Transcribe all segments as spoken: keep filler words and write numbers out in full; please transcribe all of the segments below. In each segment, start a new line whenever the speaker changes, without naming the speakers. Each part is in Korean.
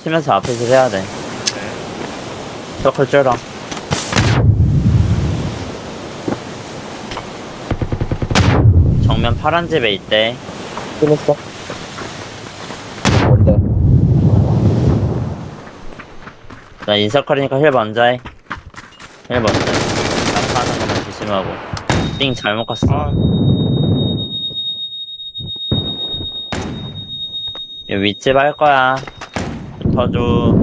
치면서 앞에서 해야 돼.
네.
서클 쩔어. 정면 파란 집에 있대.
끊었어. 뭔데?
나 인서클이니까 힐 먼저 해. 힐 먼저 해. 깜빡하는 것만 조심하고. 띵 잘못 갔어.
아,
이 윗집 할 거야. 붙어줘.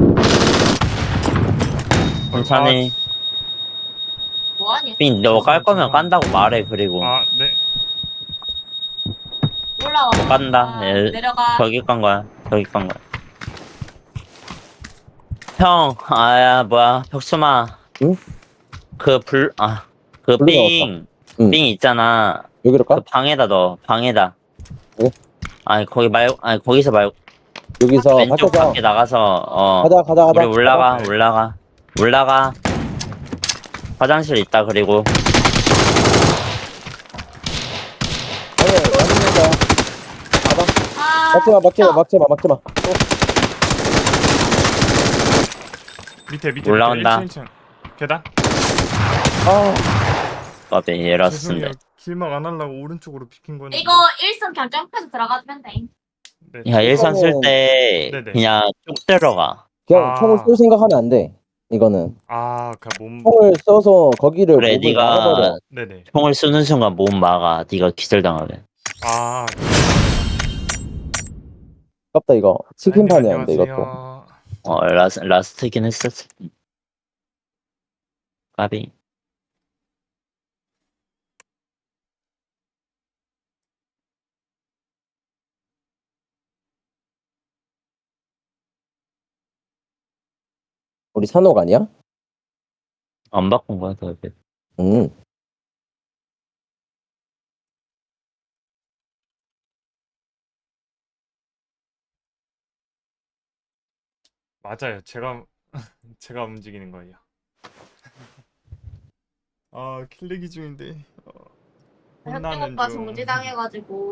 천천히.
뭐하니?
삥, 너 깔 거면
죄송합니다.
깐다고 말해, 그리고.
아, 네.
올라와.
너 깐다.
아,
예,
내려가.
저기 깐 거야. 저기 깐 거야. 형, 아야, 뭐야, 벽수마.
응?
그 불, 아, 그
불로
삥,
응.
삥 있잖아.
여기로 까?
그 방에다 넣어, 방에다.
네?
아니, 거기 말고, 아니, 거기서 말고,
여기서
왼쪽
밖에서
밖에 나가서, 어.
가자 가자 가자.
우리 올라가,
가자.
올라가, 올라가. 화장실 있다, 그리고.
아니 맛있는 거야. 가봐.
아,
막지마 막지마
형.
막지마 막지마. 어,
밑에, 밑에.
올라온다.
밑에 일 층, 일 층. 계단?
아
까비,
죄송해요.
에러스인데.
길막 안 하려고 오른쪽으로 비킨 건데.
이거 일선 그냥 점프해서 들어가면 돼.
네.
야, 일선 쓸
일선은-
때,
네네.
그냥 쭉 들어가.
그냥
아.
총을 쏠 생각하면 안 돼. 이거는
아, 그 몸.
총을 써서 거기를
그래,
목을
네가
막아버려.
네네.
총을 쏘는 순간 몸 막아. 네가 기절당하게.
아,
아깝다 이거. 치킨판이었는데
안녕하세요.
이것도.
어, 라스, 라스트긴 했었어. 까비.
우리 산옥 아니야?
안 바꾼 거야, 더.
응.
맞아요. 제가 제가 움직이는 거예요. 아, 킬레기 중인데. 어,
현정
혼나는
오빠
중.
정지당해가지고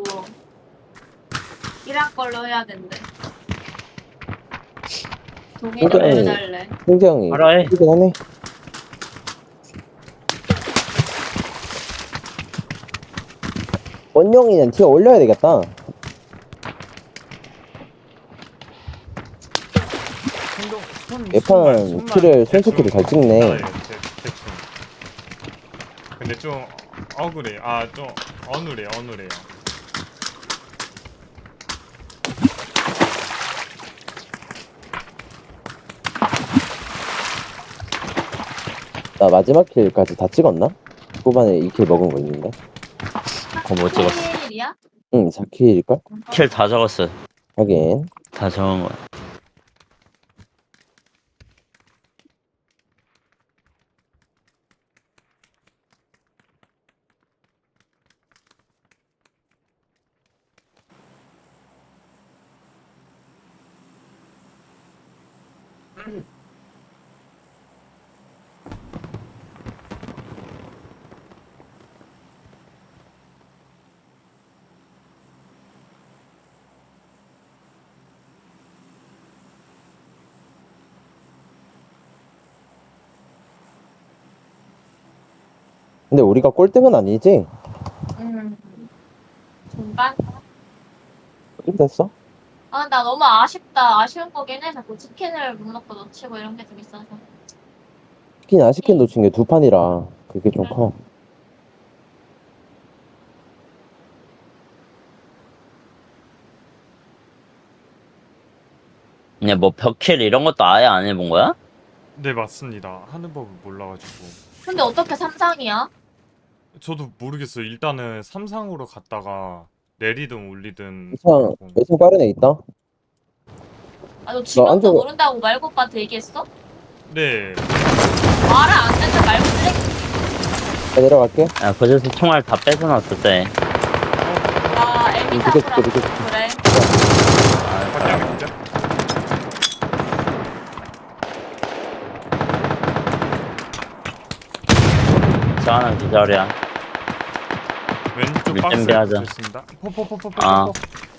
일할 걸로 해야 된대. 동의 좀
그래.
해달래.
굉장히
알아, 해.
힘들긴 하네. 원영이는 티어 올려야 되겠다.
행동, 손,
예판
손만, 손만
키를 손수키를
대충
잘 찍네.
나와요, 대- 대충. 근데 좀 억울해. 아, 좀 어눌해, 어눌해요.
나 마지막 킬까지 다 찍었나? 후반에 이 킬 먹은 거 있는데.
그거 못 찍었어.
일이야?
응, 사 킬일걸?
킬 다 적었어.
하긴.
다 적은 거야.
근데 우리가 꼴등은 아니지?
음. 중간?
꼴등 됐어?
아, 나 너무 아쉽다. 아쉬운 거긴 해. 자꾸 치킨을 못 먹고 놓치고 이런 게 좀 있어서.
치킨 아시킨 놓친 게 두 판이라 그게 좀 커.
그냥 뭐 벽킬 이런 것도 아예 안 해본 거야?
네, 맞습니다. 하는 법을 몰라가지고.
근데 어떻게 삼상이야?
저도 모르겠어요. 일단은 삼상으로 갔다가 내리든 올리든
예상,
하고.
예상 빠른 애 있다?
아, 너 지금도
앉아봐.
모른다고 말고 오빠한테 얘기했어?
네.
말을 안 듣는 말고
나 내려갈게.
야, 그저서 총알 다 뺏어놨을 때.
나 애미
이렇게
사쿠라
이렇게
그래.
확인하면 되죠?
저 하나 기절이야.
왼쪽
밑
박스에
준비하자.
붙어있습니다. 포포포포포.
아.